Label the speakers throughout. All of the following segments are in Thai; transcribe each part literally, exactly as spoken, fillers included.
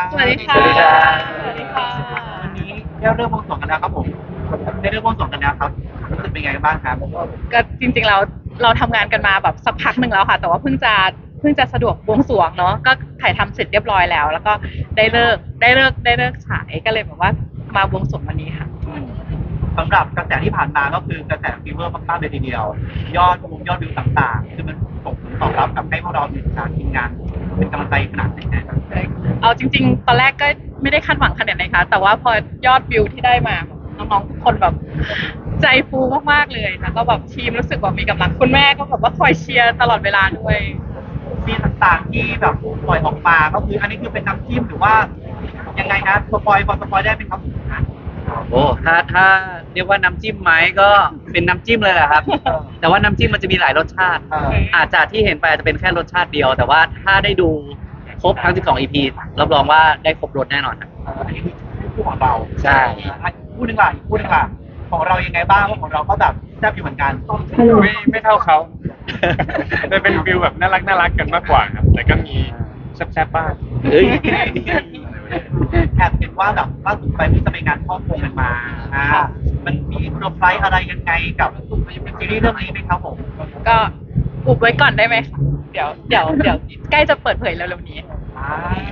Speaker 1: สวัสดีค่ะ
Speaker 2: สวัสดีครับ
Speaker 1: สวัสดีค่ะ
Speaker 3: วันนี้ได้เริ่มวงสวงกันแล้วครับผมได้เริ่มวงสวงกันแล้วครับรู้สึกเป็นไงบ้างครับ
Speaker 1: ก็จริงๆเราเราทำงานกันมาแบบสักพักหนึ่งแล้วค่ะ แต่ว่าเพิ่งจะเพิ่งจะสะดวกบวงสรวงเนาะก็ถ่ายทำเสร็จเรียบร้อยแล้ว แล้วก็ได้เลิกได้เลิกได้เลิกฉายก็เลยแบบว่ามาบวงสรวงวันนี้ค่ะ
Speaker 3: สำหรับกระแสที่ผ่านมาก็คือกระแสฟีเวอร์มากๆเลยทีเดียว ยอดวงยอดวิวต่างๆ คือมันส่งผลตอบรับกับให้พวกเราทีมงานทีมงานเป็นกำลังใจขนาดไหนนะครับ
Speaker 1: เอาจริงๆ ตอนแรกก็ไม่ได้คาดหวังขนาดไหนคะแต่ว่าพอยอดวิวที่ได้มาน้องๆทุกคนแบบใจฟูมากๆเลยแล้วก็แบบทีมรู้สึกว่ามีกำลังคุณแม่ก็แบบว่าคอยเชียร์ตลอดเวลาด้วย
Speaker 3: ซีนต่างๆที่แบบปล่อยออกมาก็คืออันนี้คือเป็นน้ำจิ้มหรือว่ายังไงนะสปอยล์พอสปอยล์ได้ไหมครับ
Speaker 2: โอ้ถ้าถ้าเรียกว่าน้ำจิ้มไหมก็เป็นน้ำจิ้มเลยแหละครับ แต่ว่าน้ำจิ้มมันจะมีหลายรสชาติ
Speaker 3: เออ
Speaker 2: อาจจะที่เห็นไปอาจจะเป็นแค่รสชาติเดียว แต่ว่าถ้าได้ดูครบทั้งสิบสอง อี พี รับรองว่าได้ครบรสแน่นอนครับ
Speaker 3: เอ่ออันนี้คือคู่ของเรา
Speaker 2: ใช่
Speaker 3: อ่ะคู่หนึ่งล่ะอีกคู่หนึ่งล่ะของเรายังไงบ้างเพราะของเราก็แบบแซ่บอยู่เหมือนกัน
Speaker 4: ไม่ไม่เท่าเขา แต่เป็นฟิลแบบน่ารักน่ารักกันมากกว่าครับ แต่ก็มีแซ่บๆบ้าง
Speaker 2: เฮ้ย
Speaker 3: แอบเห็นว่าแบบล่าสุดไปที่จะไปงานพ่อคงกันมาอ่ามันมีเซอร์ไพรส์อะไรยังไงกับซีรีส์เรื่องนี้ไหมครับผม
Speaker 1: ก็อุบไว้ก่อนได้ไหมคะเดี๋ยวเดี๋ยวเดี๋ยวใกล้จะเปิดเผยเร็วๆนี้
Speaker 3: อ่า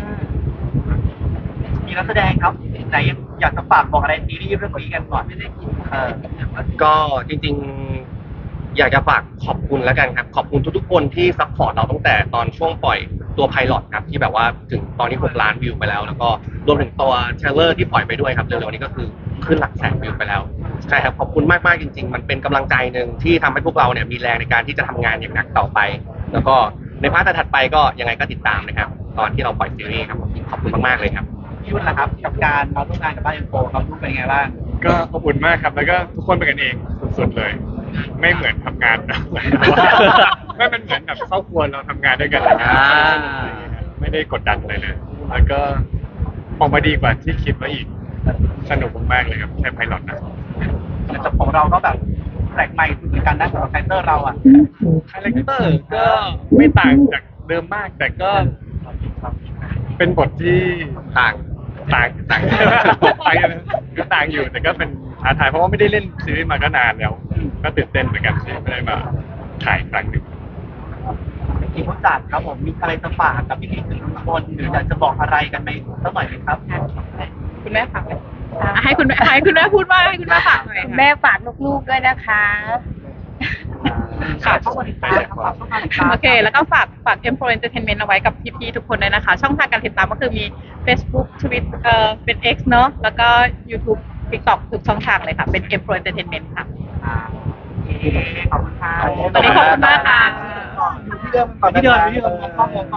Speaker 3: มีนักแสดงครับไหนอยากจะฝากบอกอะไรซีรีส์เรื่องนี้กันก่อนเออ
Speaker 5: ก็จริงๆ อยากจะฝากขอบคุณแล้วกันครับ ขอบคุณทุกๆคนที่ซัพพอร์ตเราตั้งแต่ตอนช่วงปล่อยตัวไพลอตครับที่แบบว่าถึงตอนนี้หกล้านวิวไปแล้ว แล้วก็รวมถึงตัวเทรลเลอร์ที่ปล่อยไปด้วยครับเร็วๆนี้ก็คือขึ้นหลักแสนวิวไปแล้วใช่ครับขอบคุณมากๆจริง ๆ มันเป็นกำลังใจหนึ่งที่ทำให้พวกเราเนี่ยมีแรงในการที่จะทำงานอย่างหนักต่อไป แล้วก็ในพาร์ทถัดไปก็ยังไงก็ติดตามนะครับ ตอนที่เราปล่อยซีรีส์ครับขอบคุณมากๆเลยครับ
Speaker 3: พี่ยุ่นล่ะครับกับการมาร่วมงานกับบ้านเอ็นโฟครับรู้เป็นไงบ้าง
Speaker 4: ก็อบอุ่นมากครับ แล้วก็ทุกคนเป็นกันเองสุดๆเลย ไม่เหมือนทำงานนะ ไม่เป็นเหมือนแบบครอบครัวเราทำงานด้วยกันอะไรเงี้ย
Speaker 2: อ่า
Speaker 4: ไม่ได้กดดันอะไรเลย แล้วก็ออกมาดีกว่าที่คิดไว้อีก สนุกมากๆเลยครับแค่ไพลอตนะ
Speaker 3: แต่ของเราก็แบบแปลกใหม่สุดเหมือนกันนะสำหรับไทเตอร์เราอ่ะ
Speaker 4: คาแรคเตอร์ก็ไม่ต่างจากเดิมมาก แต่ก็เป็นบทที่ต่างต่างต่างต่างกันคือต่างอยู่แต่ก็เป็นท้าทายเพราะว่าไม่ได้เล่นซีรีส์มาก็นานแล้ว ก็ตื่นเต้นเหมือนกันที่ไม่ได้มาถ่ายอีกครั้งหนึ่ง
Speaker 3: ทีมผู้จัดครับผมมีอะไรจะฝากกับพี่ๆทุกคนหรืออยากจะบอกอะไรกันไหมสักหน่อยไหมครับ
Speaker 1: คุณแม่ฝากไหมอ่ะให้คุณแม่ให้คุณแม่พูดว่าให้คุณแม่ฝากหน่อยค่ะ
Speaker 6: แม่ฝากลูกๆด้วยนะคะ
Speaker 3: ค่ะเข้ามาติดตามครับเข้ามาติดตาม
Speaker 1: โอเค แล้วก็ฝากฝาก เอ็ม โฟร์ Entertainment เอาไว้กับพี่ๆทุกคนด้วยนะคะ ช่องทางการติดตามก็คือมี Facebook Twitter เอ่อเป็น X เนอะแล้วก็ YouTube TikTok ทุกช่องทางเลยค่ะ เป็น เอ็ม โฟร์ Entertainment ค่ะ
Speaker 3: อ่าโอเคขอบคุณค่ะ
Speaker 1: วันนี้ขอบคุณมากค่ะ
Speaker 3: ที่เดิมก่อนที่เดิมที่เดิมมองกล้องมองกล้อง